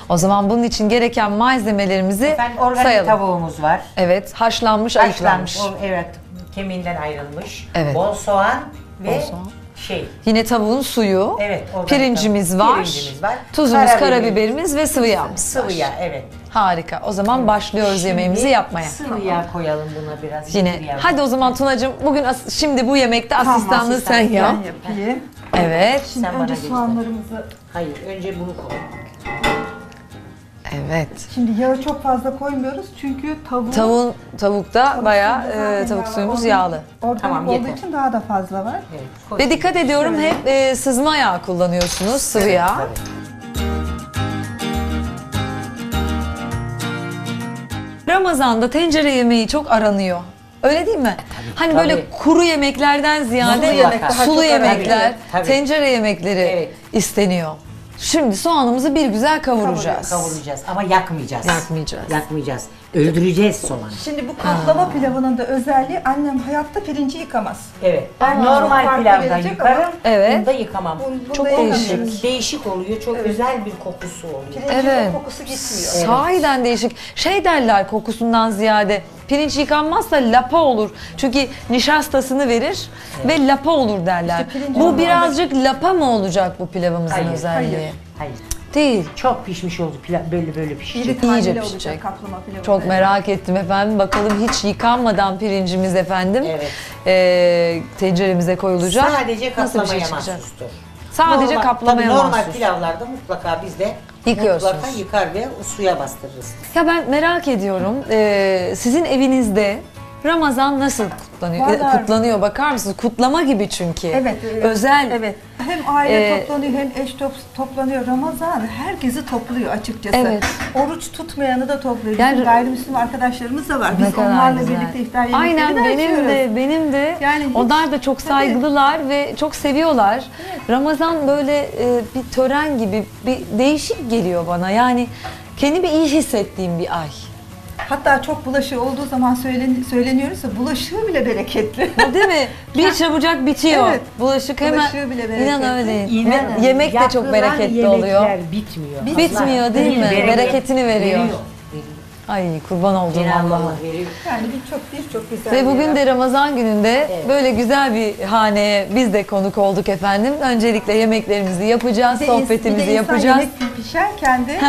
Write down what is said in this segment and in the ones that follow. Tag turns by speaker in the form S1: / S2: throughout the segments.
S1: O zaman bunun için gereken malzemelerimizi
S2: Efendim, organik
S1: sayalım.
S2: tavuğumuz var.
S1: Evet, haşlanmış, ayıklanmış.
S2: Evet, kemiğinden ayrılmış.
S1: Evet.
S2: Bol soğan ve
S1: Bol soğan.
S2: Yine
S1: tavuğun suyu,
S2: evet,
S1: pirincimiz var, tuzumuz, karabiberimiz ve sıvı yağımız
S2: Sıvı yağ, evet.
S1: Harika. O zaman başlıyoruz yemeğimizi yapmaya.
S2: Sıvı yağ koyalım buna biraz.
S1: Yine. Hadi o zaman Tunacığım, bugün şimdi bu yemekte asistanlığı sen yap.
S3: Ben yapayım.
S1: Evet.
S3: Şimdi
S2: Sen bana
S3: önce
S2: göster.
S3: soğanlarımızı...
S2: Hayır, önce bunu koy.
S1: Evet.
S3: Şimdi yağı çok fazla koymuyoruz çünkü
S1: Tavukta bayağı tavuk
S3: yağ
S1: suyumuz
S3: var.
S1: yağlı.
S3: Organik
S2: Tamam,
S3: olduğu
S2: yeter.
S3: için daha da fazla var.
S2: Evet, koy.
S1: Ve dikkat ediyorum hep sızma yağ kullanıyorsunuz, sıvı yağ.
S2: Tabii.
S1: Ramazan'da tencere yemeği çok aranıyor. Öyle değil mi? Hani
S2: tabii.
S1: böyle kuru yemeklerden ziyade
S2: Sulu yemek daha
S1: sulu
S3: çok
S1: yemekler,
S2: aranıyor. Tabii.
S1: tencere yemekleri
S2: Evet.
S1: isteniyor. Şimdi soğanımızı bir güzel kavuracağız.
S2: Kavuracağız ama yakmayacağız.
S1: Yakmayacağız.
S2: Yakmayacağız. Öldüreceğiz soğanı.
S3: Şimdi bu kaplama pilavının da özelliği annem hayatta pirinci yıkamaz.
S2: Evet. Ben
S3: Ama
S2: normal
S3: farklı
S2: pilavda
S3: verecek
S2: yıkarım.
S3: ama-
S1: Evet.
S2: Bunda yıkamam.
S3: Bunda
S2: Çok
S3: yıkamıyoruz.
S2: değişik. Değişik oluyor. Çok güzel bir kokusu oluyor.
S3: Pirincin
S1: Evet.
S3: o kokusu gitmiyor.
S1: Sahiden değişik. Şey derler kokusundan ziyade, pirinç yıkanmazsa lapa olur. Çünkü nişastasını verir ve lapa olur derler.
S3: İşte pirinç
S1: Bu
S3: olmalı.
S1: birazcık lapa mı olacak bu pilavımızın
S2: Hayır,
S1: özelliği?
S2: Hayır.
S1: Değil.
S2: Çok pişmiş oldu. Pilav böyle pişecek.
S3: İri taneli
S1: İyice
S3: olacak
S1: pişecek.
S3: kaplama pilavı.
S1: Çok merak ettim efendim. Bakalım hiç yıkanmadan pirincimiz efendim
S2: Evet.
S1: tenceremize koyulacak.
S2: Sadece
S1: Nasıl bir şey
S2: kaplamaya
S1: çıkacak?
S2: mahsustur.
S1: Sadece
S2: Normal-
S1: kaplamaya
S2: tabii normal
S1: mahsus.
S2: pilavlarda mutlaka biz de
S1: Yıkıyorsunuz.
S2: mutlaka yıkar ve suya bastırırız.
S1: Ya ben merak ediyorum. Sizin evinizde Ramazan nasıl kutlanıyor?
S3: Vallahi-
S1: Kutlanıyor, bakar mısınız? Kutlama gibi çünkü.
S3: Evet.
S1: Özel.
S3: Evet. Hem aile
S1: Ee,
S3: toplanıyor hem eş toplanıyor. Ramazan herkesi topluyor açıkçası.
S1: Evet.
S3: Oruç tutmayanı da topluyor.
S1: Yani-
S3: Bizim gayrimüslim arkadaşlarımız da var.
S1: Ne
S3: Biz
S1: kadar
S3: onlarla
S1: güzel.
S3: birlikte iftar yemekleri
S1: Aynen
S3: de
S1: benim
S3: açıyoruz.
S1: de.
S3: Yani hiç-
S1: Onlar da çok saygılılar ve çok seviyorlar. Ramazan böyle bir tören gibi, bir değişik geliyor bana. Yani kendimi iyi hissettiğim bir ay.
S3: Hatta çok bulaşığı olduğu zaman söyleniyoruz da bulaşığı bile bereketli.
S1: Değil mi? Bir çabucak bitiyor.
S3: Evet.
S1: Bulaşık hemen.
S3: Bulaşığı bile bereketli.
S1: İnan öyle.
S2: İnanın,
S1: Yemek de çok
S2: yapılan
S1: bereketli oluyor.
S2: yemekler bitmiyor.
S1: Bitmiyor değil mi? Bereketini veriyor.
S2: Veriyor.
S1: Ay kurban olduğum
S2: Cenab-ı
S1: Allah'a.
S2: Allah veriyor.
S3: Yani birçok güzel.
S1: Ve bugün
S3: yer.
S1: de Ramazan gününde
S2: Evet.
S1: böyle güzel bir haneye biz de konuk olduk efendim. Öncelikle yemeklerimizi yapacağız,
S3: Bir de
S1: sohbetimizi
S3: bir de insan
S1: yapacağız.
S3: yemek pişerken de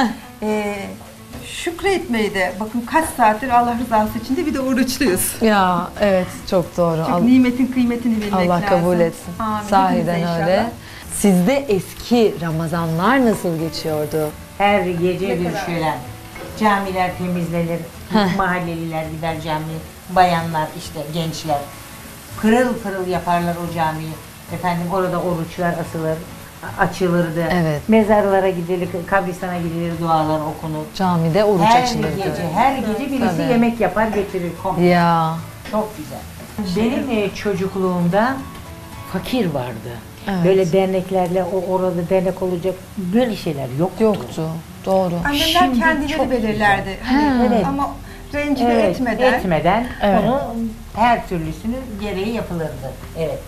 S3: şükretmeyi de bakın kaç saattir Allah rızası için de bir de oruçluyuz.
S1: Ya evet çok doğru.
S3: Çünkü nimetin kıymetini bilmek
S1: Allah
S3: lazım.
S1: kabul etsin.
S3: Amin.
S1: Sahiden
S3: Hepimize
S1: öyle.
S3: inşallah.
S1: Sizde eski Ramazanlar nasıl geçiyordu?
S2: Her gece
S3: Ne
S2: bir
S3: kadar?
S2: şölen. Camiler temizlenir. Mahalleliler gider camiye. Bayanlar işte gençler. Pırıl pırıl yaparlar o camiyi. Efendim orada oruçlar asılır. Açılırdı.
S1: Evet.
S2: Mezarlara gidilir, kabristana gidilir, dualar okunur.
S1: Camide oruç
S2: Her
S1: açılırdı.
S2: gece birisi
S1: Tabii.
S2: yemek yapar getirir. Komple.
S1: Ya
S2: Çok güzel. Benim çocukluğumda fakir vardı.
S1: Evet.
S2: Böyle derneklerle orada dernek olacak böyle şeyler yoktu.
S1: yoktu. Doğru.
S3: Annemler
S2: Şimdi
S3: kendileri
S2: çok
S3: belirlerdi. Hani,
S2: Evet.
S3: Ama rencide
S2: Evet,
S3: etmeden.
S1: Evet.
S2: onu her türlüsünü gereği yapılırdı. Evet.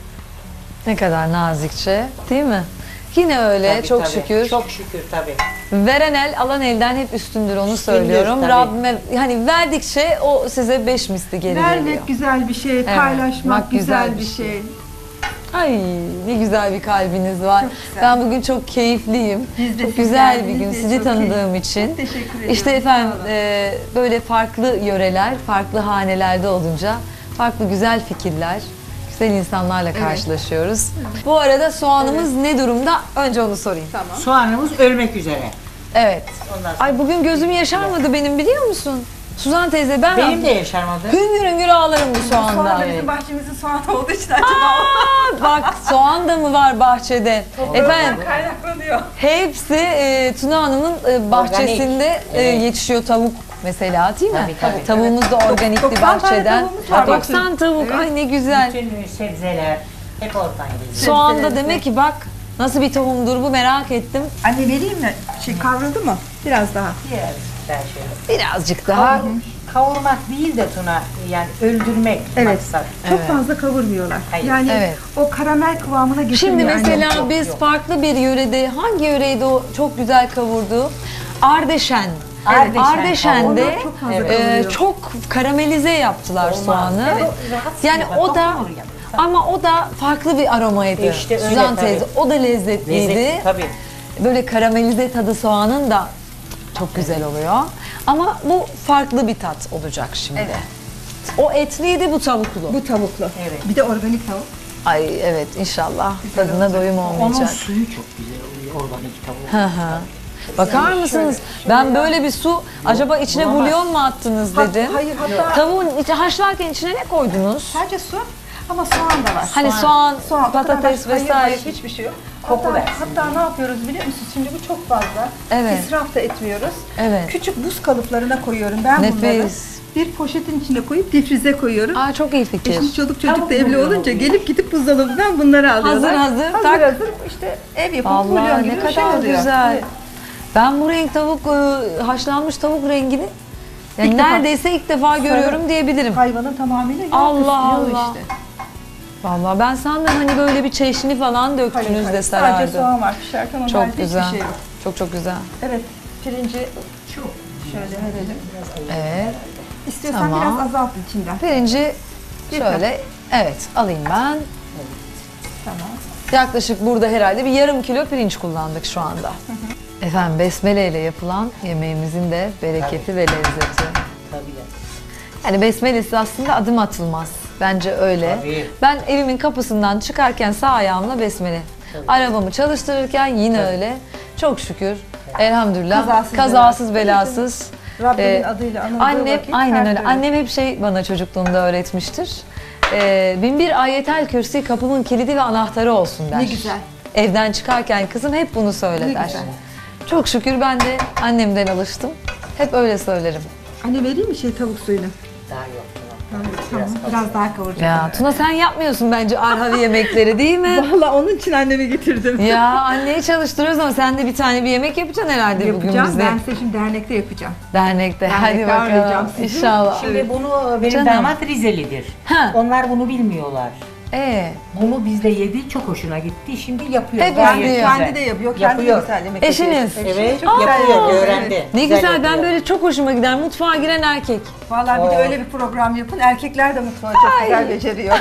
S1: Ne kadar nazikçe, değil mi? Yine öyle
S2: Tabii,
S1: çok
S2: tabii.
S1: şükür.
S2: Çok şükür tabii.
S1: Veren el alan elden hep üstündür onu söylüyorum.
S2: tabii.
S1: Rabbime hani verdikçe o size 5 misli geri geliyor.
S3: Vermek güzel bir şey, paylaşmak
S1: bak
S3: güzel bir şey.
S1: Ay ne güzel bir kalbiniz var.
S3: Çok güzel.
S1: Ben bugün çok keyifliyim.
S3: Biz de
S1: Çok
S3: siz
S1: güzel bir
S3: geldiniz
S1: gün
S3: diye
S1: sizi
S3: çok
S1: tanıdığım
S3: keyif-
S1: için.
S3: Çok teşekkür ediyorum.
S1: İşte efendim
S3: Sağ olun.
S1: böyle farklı yöreler, farklı hanelerde olunca farklı güzel fikirler, güzel insanlarla karşılaşıyoruz. Bu arada soğanımız ne durumda? Önce onu sorayım.
S3: Tamam.
S2: Soğanımız ölmek üzere.
S1: Evet.
S2: Ondan sonra
S1: Ay bugün gözüm yaşarmadı benim biliyor musun? Suzan teyze ben
S2: benim de yaşarmadı.
S1: hüngür hüngür ağlarım bu soğanda.
S3: Soğan da bizim bahçemizin soğanı olduğu için acaba
S1: Bak soğan da mı var bahçede? Efendim
S3: kaynaklanıyor.
S1: hepsi Tuna Hanım'ın bahçesinde
S2: Evet.
S1: yetişiyor tavuk mesela değil mi?
S2: Tabii, tabii.
S1: Tavuğumuz da organik bir
S3: 90 tane
S1: bahçeden.
S3: tavuğumuz var.
S1: 90 tavuk
S3: Evet.
S1: ay ne güzel.
S2: Bütün sebzeler hep oradan geliyor.
S1: Soğanda
S3: Sebzeleri.
S1: demek ki bak nasıl bir tohumdur bu merak ettim.
S3: Anne vereyim mi? Kavruldu mu? Biraz daha.
S2: Diğer ben şöyle.
S1: Birazcık daha.
S2: Kavurmak değil de Tuna, yani öldürmek
S3: Evet.
S2: maksat.
S3: Çok fazla kavurmuyorlar.
S2: Hayır.
S3: Yani
S1: Evet.
S3: o karamel kıvamına getiriyor.
S1: Şimdi mesela
S3: annem.
S1: biz
S2: yok.
S1: farklı bir yörede, hangi yöreydi o çok güzel kavurdu? Ardeşen.
S2: Ardeşen.
S1: Ardeşen'de
S3: Onlar çok fazla kalıyor.
S1: çok karamelize yaptılar soğanı.
S2: Evet, rahatsız
S1: Yani
S2: yapar,
S1: o da
S2: dokunur yapar.
S1: ama o da farklı bir aromaydı.
S2: İşte öyle
S1: Suzan
S2: tabii.
S1: teyze o da lezzetliydi.
S2: Lezzet, tabii.
S1: Böyle karamelize tadı soğanın da çok güzel oluyor. Ama bu farklı bir tat olacak şimdi.
S3: Evet.
S1: O etliydi, bu tavuklu.
S3: Bu tavuklu.
S2: Evet.
S3: Bir de organik tavuk.
S1: Ay evet, inşallah tadına doyum
S2: Onun
S1: olmayacak.
S2: suyu çok güzel oluyor organik tavuk.
S1: Hı hı. Bakar mısınız? Ben böyle bir su, acaba içine
S2: bulamaz.
S1: bulyon mu attınız dedim.
S3: Hayır, hatta
S1: Tavuğun içi haşlarken içine ne koydunuz?
S3: sadece su ama soğan da var.
S1: Hani soğan,
S3: o kadar
S1: patates
S3: hayır,
S1: vesaire.
S3: hayır, hiçbir şey yok.
S2: Koku
S3: Hatta,
S2: versin
S3: hatta ne yapıyoruz biliyor musunuz? Şimdi bu çok fazla.
S1: Evet.
S3: İsraf da etmiyoruz.
S1: Evet.
S3: Küçük buz kalıplarına koyuyorum ben bunları.
S1: Nefis.
S3: Bir poşetin içine koyup difrize koyuyorum.
S1: Aa, çok iyi fikir.
S3: Şimdi çoluk çocuk
S2: Tavuk
S3: da evli
S2: bulyon
S3: olunca
S2: oluyor.
S3: gelip gidip buzdolabından bunları alıyorlar.
S1: Hazır,
S3: Hazır
S1: tak.
S3: hazır işte ev yapımı
S1: Allah
S3: bulyon gibi
S1: ne
S3: bir şey
S1: kadar
S3: oluyor.
S1: güzel.
S3: Evet.
S1: Ben bu renk tavuk, haşlanmış tavuk rengini yani
S3: İlk defa.
S1: neredeyse ilk defa görüyorum diyebilirim.
S3: Hayvanın tamamıyla yağ
S1: Allah
S3: kısmıyor
S1: Allah.
S3: işte.
S1: Vallahi ben sandım hani böyle bir çeşni falan döktünüz de
S3: Sadece
S1: sarardı.
S3: soğan var pişerken onun
S1: Çok
S3: haricinde
S1: güzel.
S3: hiçbir şey yok.
S1: Çok çok güzel.
S3: Evet pirinci
S2: Çok
S3: şöyle verelim.
S1: Evet.
S3: İstiyorsan
S1: Tamam.
S3: biraz azalt içinden.
S1: Pirinci şöyle, evet alayım ben.
S3: Tamam.
S1: Yaklaşık burada herhalde bir yarım kilo pirinç kullandık şu anda. Efendim besmele ile yapılan yemeğimizin de bereketi ve lezzeti.
S2: tabii.
S1: Yani besmelesiz aslında adım atılmaz. Bence öyle.
S2: Tabii.
S1: Ben evimin kapısından çıkarken sağ ayağımla besmele. Arabamı çalıştırırken yine öyle. Çok şükür. Elhamdülillah. Kazasız belasız.
S3: Rabbimin
S1: Ee,
S3: adıyla anıldığı
S1: Annem
S3: vakit
S1: aynen
S3: her
S1: öyle.
S3: türlü-
S1: Annem hep bana çocukluğumda öğretmiştir. Bin bir ayetel kürsi kapımın kilidi ve anahtarı olsun der.
S3: Ne güzel.
S1: Evden çıkarken kızım hep bunu söyle
S3: Ne
S1: der.
S3: güzel.
S1: Çok şükür ben de annemden alıştım. Hep öyle söylerim.
S3: Anne vereyim mi tavuk suyunu?
S2: Daha yok.
S3: Tamam. Biraz daha kavuracağım.
S1: Ya Tuna sen yapmıyorsun bence Arhavi yemekleri değil mi?
S3: Valla onun için annemi getirdim.
S1: Ya anneyi çalıştırıyoruz ama sen de bir tane bir yemek yapacaksın herhalde bugün
S3: Yapacağım.
S1: bize.
S3: Ben size şimdi dernekte yapacağım.
S1: Dernekte. Hadi
S3: Dernekte
S1: bakalım.
S3: ağırlayacağım sizi.
S1: İnşallah.
S2: Şimdi bunu benim
S1: Canım.
S2: damat Rizelidir.
S1: Ha.
S2: Onlar bunu bilmiyorlar.
S1: Bunu
S2: Bizde yedi, çok hoşuna gitti. Şimdi yapıyor.
S1: Hep
S2: Gayet
S1: izliyor.
S2: güzel.
S3: Kendi de yapıyor. Kendi de güzel yemek
S1: Eşiniz?
S3: yapıyor.
S2: Evet,
S3: Çok güzel
S2: yapıyor,
S3: yapıyor.
S2: öğrendi.
S3: Evet.
S1: ne güzel, ben
S2: yapıyor.
S1: böyle çok hoşuma gider. Mutfağa giren erkek.
S3: Vallahi bir de öyle bir program yapın. Erkekler de mutfağı çok güzel beceriyor.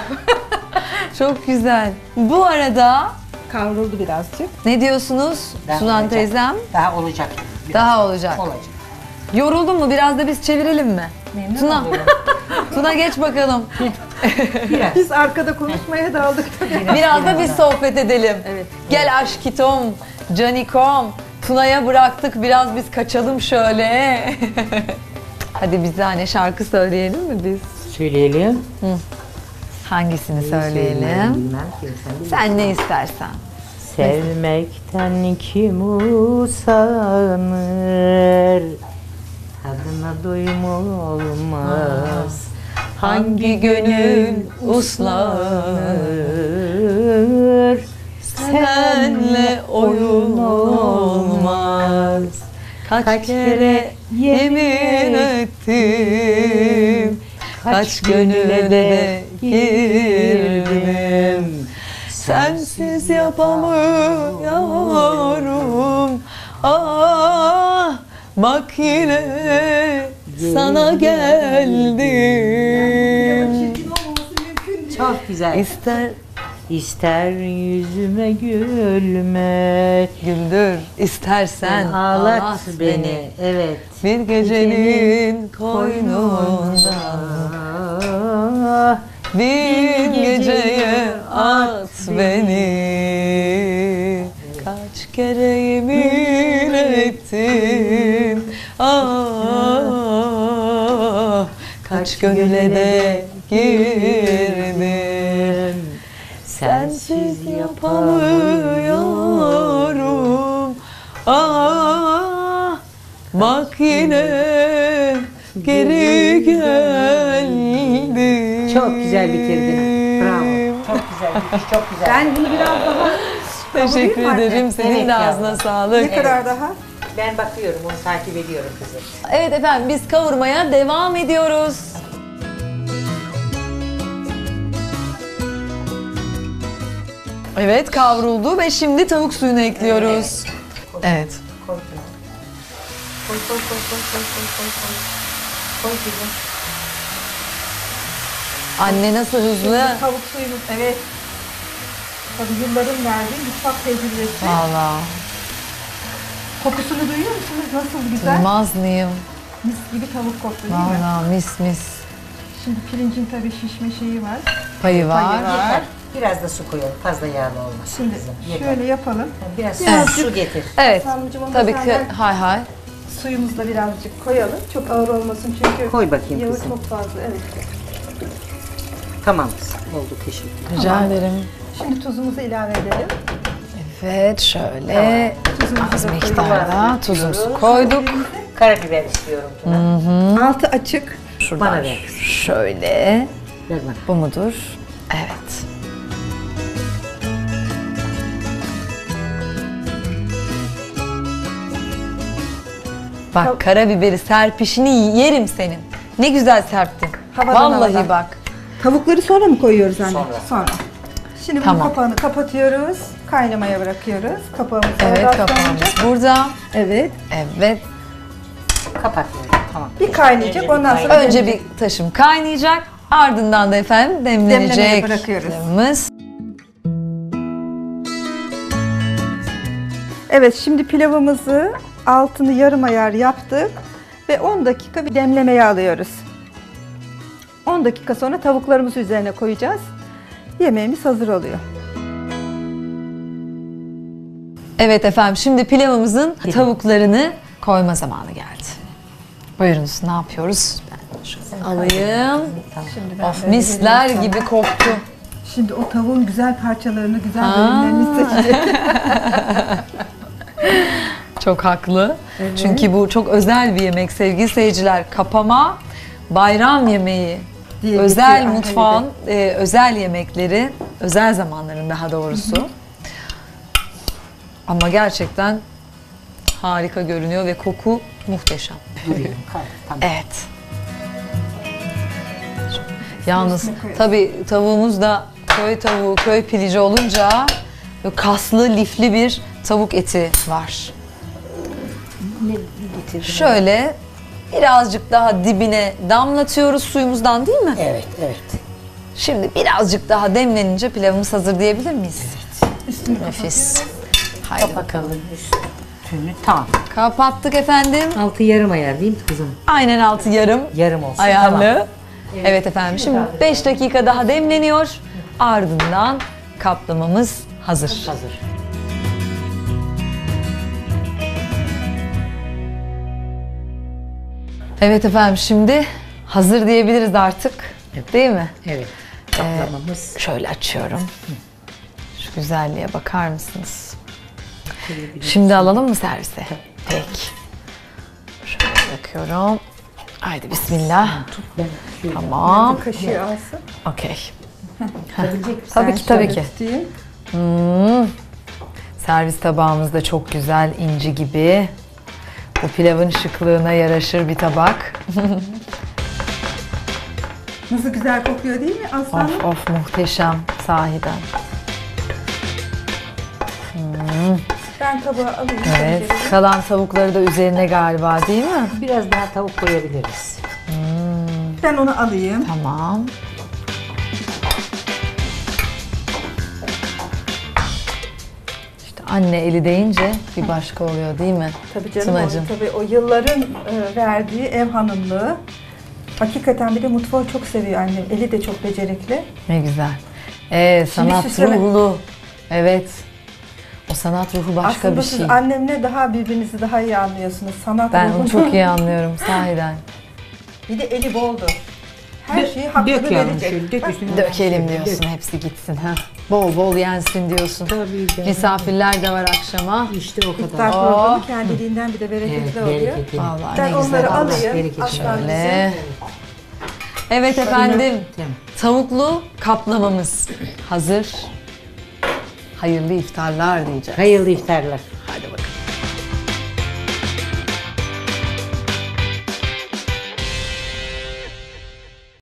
S1: Çok güzel. Bu arada
S3: Kavruldu birazcık.
S1: ne diyorsunuz
S2: Daha
S1: Suzan
S2: olacak.
S1: teyzem?
S2: Daha olacak. Biraz
S1: Daha olacak.
S2: olacak.
S1: Yoruldun mu? Biraz da biz çevirelim mi?
S2: Memnun
S1: Tuna.
S2: oluyorum.
S1: Tuna geç bakalım.
S2: Biraz.
S3: Biz arkada konuşmaya daldık tabii.
S1: Biraz da biz sohbet edelim.
S3: Evet.
S1: Gel aşkitom, canikom. Tuna'ya bıraktık, biraz biz kaçalım şöyle. Hadi bize hani şarkı söyleyelim mi biz?
S2: Söyleyelim.
S1: Hangisini söyleyelim?
S2: Bilmem ki, sen bilirsin.
S1: Sen ne istersen.
S2: Sevmekten kim usanır? Tadına doyum olmaz.
S1: Hangi gönül uslanır? Senle oyun olmaz. Kaç kere yemin ettim, kaç gönüle de girdim. Sensiz yapamıyorum. Ah, bak yine sana geldim.
S2: Çok güzel.
S1: İster
S2: İster yüzüme gülme,
S1: güldür, istersen
S2: ağlat beni. Evet.
S1: Bir gecenin koynunda
S2: Ah,
S1: bin geceye at beni. Kaç kere yemin ettim, ah, kaç gönüle de girdim. Sensiz yapamıyorum. Ah, bak yine geri geldim.
S2: çok güzel bitirdin. Bravo. Çok güzel bitiş, çok güzel.
S3: Ben bunu biraz daha
S1: Teşekkür
S3: kavurayım mı
S1: ederim.
S3: anne?
S1: Senin
S2: Evet
S1: de
S2: yavrum.
S1: ağzına sağlık.
S3: Ne kadar daha?
S2: Ben bakıyorum, onu takip ediyorum kızım.
S1: Evet efendim, biz kavurmaya devam ediyoruz. Evet, kavruldu ve şimdi tavuk suyunu ekliyoruz. Evet.
S2: Koydum.
S3: Koy koy koy koy koy koy koy koy. Koy kızım.
S1: Anne nasıl hızlı.
S3: Tavuk suyumuz, evet. Tabii yılların verdiği mutfak tecrübesi.
S1: Valla.
S3: Kokusunu duyuyor musunuz? Nasıl güzel.
S1: Duymaz mıyım?
S3: Mis gibi tavuk koktu değil mi?
S1: Valla mis mis.
S3: Şimdi pirincin tabii şişme şeyi var.
S1: Payı var.
S3: Payı var.
S2: Yeter. Biraz da su koyalım. Fazla yağlı olmasın
S3: Şimdi
S2: kızım. Yeter.
S3: şöyle yapalım.
S2: Biraz
S3: Birazcık-
S2: su getir.
S1: Evet.
S3: Sarmıcım onu
S1: Tabii ki.
S3: senden-
S1: Hay hay.
S3: Suyumuzu da birazcık koyalım. Çok ağır olmasın çünkü
S2: Koy bakayım
S3: yağı
S2: kızım.
S3: çok fazla. Evet.
S2: Tamam kızım. Oldu, teşekkür ederim.
S1: Rica ederim.
S3: Şimdi tuzumuzu ilave edelim.
S1: Evet şöyle
S3: Tuzumuzu
S1: az
S3: da
S1: miktarda tuzumuzu koyduk.
S2: Karabiber istiyorum. Buna.
S3: Altı açık.
S1: Şuradan
S2: Bana ver.
S1: şöyle.
S2: Ver bana.
S1: Bu mudur? Evet. Bak karabiberi serpişini yerim senin. Ne güzel serptin.
S3: Havadan
S1: Vallahi
S3: havadan.
S1: bak.
S3: Tavukları sonra mı koyuyoruz anne?
S2: Sonra.
S3: Şimdi bunun
S1: Tamam.
S3: kapağını kapatıyoruz. Kaynamaya bırakıyoruz. Kapağımız
S1: Evet
S3: oradan
S1: kapağımız
S3: sonra-
S1: burada.
S3: Evet.
S1: Evet.
S2: Kapat. Tamam.
S3: Bir kaynayacak,
S2: Önce bir
S3: ondan sonra-
S2: kaynayacak.
S1: Önce bir taşım kaynayacak. Ardından da efendim demlenecek.
S3: Demlemeye bırakıyoruz.
S1: pilavımız.
S3: Evet, şimdi pilavımızı altını yarım ayar yaptık ve 10 dakika bir demlemeye alıyoruz. 10 dakika sonra tavuklarımızı üzerine koyacağız. Yemeğimiz hazır oluyor.
S1: Evet efendim şimdi pilavımızın tavuklarını koyma zamanı geldi. Buyurunuz ne yapıyoruz? Ben şöyle alayım.
S3: Şimdi
S1: Of
S3: böyle
S1: misler
S3: vereyim
S1: gibi
S3: sana.
S1: koktu.
S3: Şimdi o tavuğun güzel parçalarını, güzel
S1: Aa.
S3: bölümlerini seçeceğiz.
S1: Çok haklı. Çünkü bu çok özel bir yemek sevgili seyirciler. Kapama, bayram yemeği,
S3: Diye
S1: özel
S3: geçiyor
S1: mutfağın özel yemekleri, özel zamanların daha doğrusu. Ama gerçekten harika görünüyor ve koku muhteşem.
S2: Duruyor. Tamam.
S1: Evet. Yalnız
S3: Üstüne koyalım.
S1: tabii tavuğumuz da köy tavuğu, köy pilici olunca böyle kaslı, lifli bir tavuk eti var.
S2: Ne getirdin?
S1: Şöyle birazcık daha dibine damlatıyoruz suyumuzdan değil mi?
S2: Evet, evet.
S1: Şimdi birazcık daha demlenince pilavımız hazır diyebilir miyiz?
S3: Üstünü
S1: Nefis. Haydi bakalım.
S2: Bakalım üstünü. Tamam.
S1: Kapattık efendim.
S2: Altı yarım ayar değil mi kızım?
S1: Aynen altı yarım
S2: Yarım olsun.
S1: ayarlı.
S2: Tamam.
S1: Evet efendim şimdi 5 dakika daha demleniyor. Ardından kaplamamız hazır.
S2: Hazır.
S1: Evet efendim şimdi hazır diyebiliriz artık. Değil mi?
S2: Evet. Kaplamamız.
S1: Şöyle açıyorum. Şu güzelliğe bakar mısınız? Şimdi alalım mı servise? Peki. Şöyle bakıyorum. Haydi bismillah.
S2: Ben şöyle
S1: Tamam.
S3: kaşığı alsın.
S1: Okey.
S2: tutabilecek misin?
S1: Tabii
S3: Ben
S1: ki tabii
S3: şöyle
S1: ki.
S3: tutayım.
S1: Servis tabağımız da çok güzel inci gibi. Bu pilavın şıklığına yaraşır bir tabak.
S3: Nasıl güzel kokuyor değil mi aslanım?
S1: Of of muhteşem sahiden.
S3: Ben tabağı alayım.
S1: Evet.
S3: tencereye.
S1: Kalan tavukları da üzerine galiba değil mi?
S2: Biraz daha tavuk koyabiliriz.
S3: Ben onu alayım.
S1: Tamam. İşte anne eli deyince bir başka oluyor değil mi?
S3: Tabii canım.
S1: Tınacığım.
S3: Tabii o yılların verdiği ev hanımlığı. Hakikaten bir de mutfağı çok seviyor annem. Eli de çok becerikli.
S1: Ne güzel. Sanat
S3: süsleme.
S1: ruhlu. Evet. O sanat ruhu başka
S3: Aslında
S1: bir
S3: siz
S1: şey.
S3: annemle daha birbirinizi daha iyi anlıyorsunuz. Sanat
S1: Ben
S3: ruhunu.
S1: onu çok iyi anlıyorum sahiden.
S3: Bir de eli boldu. Her şeyi hakkını
S2: Dök yavrum
S3: verecek.
S2: şöyle. Dök
S3: Bak,
S2: üstüne.
S1: Dökelim diyorsun, hepsi gitsin. Ha. Bol bol yensin diyorsun.
S2: Tabii canım.
S1: Misafirler de var akşama.
S2: İşte o
S3: İftar
S2: kadar.
S3: programı kendiliğinden bir de bereketli
S2: Evet,
S3: oluyor.
S2: bereketli.
S1: Vallahi
S3: Ben
S1: ne
S3: onları
S1: güzel.
S3: alayım.
S2: bereketli.
S3: Aslan bize.
S1: Şöyle. Evet efendim,
S2: Tamam.
S1: tavuklu kaplamamız hazır. Hayırlı iftarlar diyeceğiz.
S2: Hayırlı iftarlar.